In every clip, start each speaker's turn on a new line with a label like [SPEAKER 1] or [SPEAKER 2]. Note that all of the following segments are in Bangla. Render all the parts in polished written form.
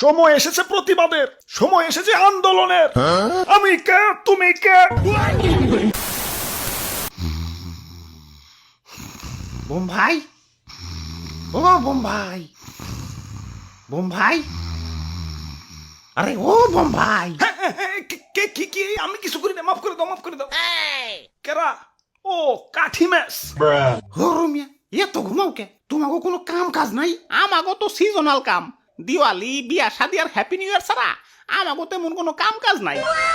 [SPEAKER 1] সময় এসেছে প্রতিবাদের, সময় এসেছে আন্দোলনের। আমি কে, তুমি কে?
[SPEAKER 2] বোম্বাই, ও বোম্বাই, বোম্বাই, আরে ও বোম্বাই।
[SPEAKER 1] কে কি কি? আমি কিছু করি না, মাফ করে দাও, মাফ করে দাও। কেরা? ও কাঠি ম্যাচ।
[SPEAKER 2] ও রুমিয়া, এত ঘুমাও কে? তোমাকে কোনো কাম কাজ নাই? আমাগো তো সিজনাল কাম, দিওয়ালি, বিয়া শাদি আর হ্যাপি নিউ ইয়ার ছাড়া আমাগো তেমন কোনো কাম কাজ নাই।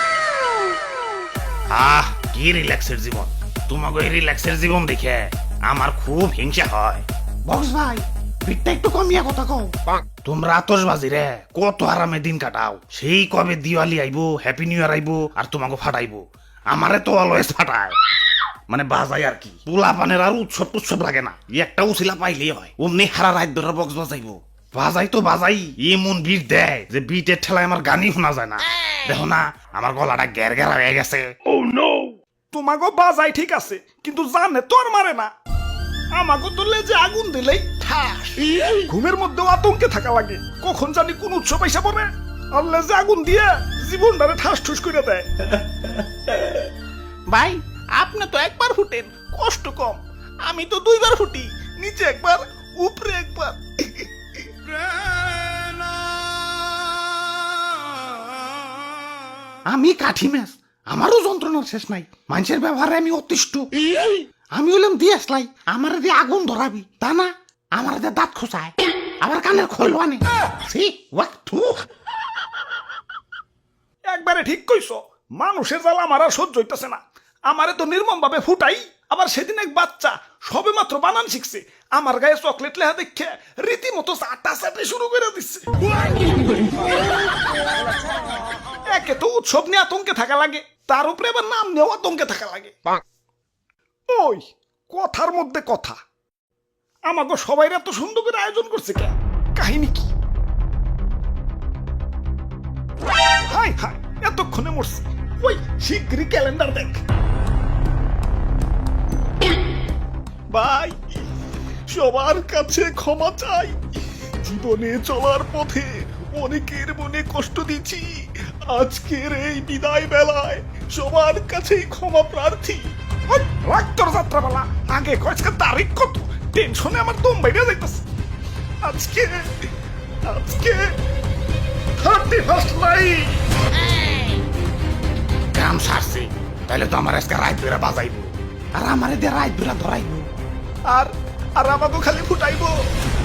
[SPEAKER 3] কি রিল্যাক্সের জীবন! তোমাকে এই রিল্যাক্সের জীবন দেখে আমার খুব হিংসা হয়।
[SPEAKER 2] বক্স ভাই, পিঠটা একটু কমিয়া কথা কও।
[SPEAKER 3] তোমরা আতশবাজি রে কত আরামে দিন কাটাও। সেই কবে দিওয়ালি আইবো, হ্যাপি নিউ ইয়ার আইবো, আর তোমাকে ফাটাইবো। আমারে তো অলওয়েজ ফাটায়, মানে বাজাই আর কি। পোলা পানের আর উৎসব টুৎসব লাগে না, একটা উছিলা পাইলেই হয়। অমনি হারা রাত ধরে বক্স বাজাইবো। বাজাই তো বাজাই, এমন বিট দেয় যে বিটের ঠেলায় আমার গানই শোনা যায় না। দেখো না, আমার গলাটা গ্যার গ্যারা হয়ে গেছে।
[SPEAKER 1] তোমাগো বাজাই ঠিক আছে, কিন্তু জানে তো আর মারে না। আমাগো তো লেজে আগুন দিলেই ঠাস। ঘুমের মধ্যেও আতঙ্কে থাকা লাগে, কখন জানি কোন উৎসব আইসা পড়ে আর লেজে আগুন দিয়ে জীবনটারে ঠাস ঠুস করে দেয়।
[SPEAKER 2] ভাই, আপনি তো একবার ফুটেন, কষ্ট কম। আমি তো দুইবার ফুটি, নিচে একবার, উপরে একবার। আমি কাঠি ম্যাচ, আমারও যন্ত্রণার শেষ নাই। মানুষের ব্যবহারে আমি অতিষ্ঠ। আমি হলাম দিয়ে আসলাই, আমার দিয়ে আগুন ধরাবি তা না, আমার দিয়ে দাঁত খোঁচায়, আবার কানের খোল আনে।
[SPEAKER 1] একবারে ঠিক কইছো, মানুষের জ্বালা আমার আর সহ্য হইতেছে না। আমারে তো নির্মম ভাবে ফুটাই। আবার সেদিন এক বাচ্চা সবে মাত্র বানান শিখছে, আমার গায়ে চকলেট লেখা দেখে রীতিমতো চাটা চাটে শুরু করে দিচ্ছে। একে তো উৎসব নিয়ে আতঙ্কে থাকা লাগে, তার উপরে আবার নাম নিয়েও আতঙ্কে থাকা লাগে। ওই কথার মধ্যে কথা, আমাকে সবাই এত সুন্দর করে আয়োজন করছে কে? কাহিনী কি? হাই হাই, এতক্ষণে মরছি। ওই শিগগিরই ক্যালেন্ডার দেখ। ভাই, সবার কাছে ক্ষমা চাই। জীবনে চলার পথে অনেকের মনে কষ্ট দিচ্ছি। আজকের এই বিদায় বেলায় সবার কাছেই ক্ষমা প্রার্থী। রাক্তর যাত্রাবেলা আগে কয়েকটা তারিখ কত, টেনশনে আমার দম বাইরে যাইতেছে। আজকে আজকে 31st নাইট।
[SPEAKER 3] কাম সারছি, তাহলে তো আমার আজকে রাত ধরে বাজাইবো,
[SPEAKER 2] আর আমারে দিয়ে রাত ধরা ধরাইবো।
[SPEAKER 1] আর আর আমাকে খালি ফুটাইবো।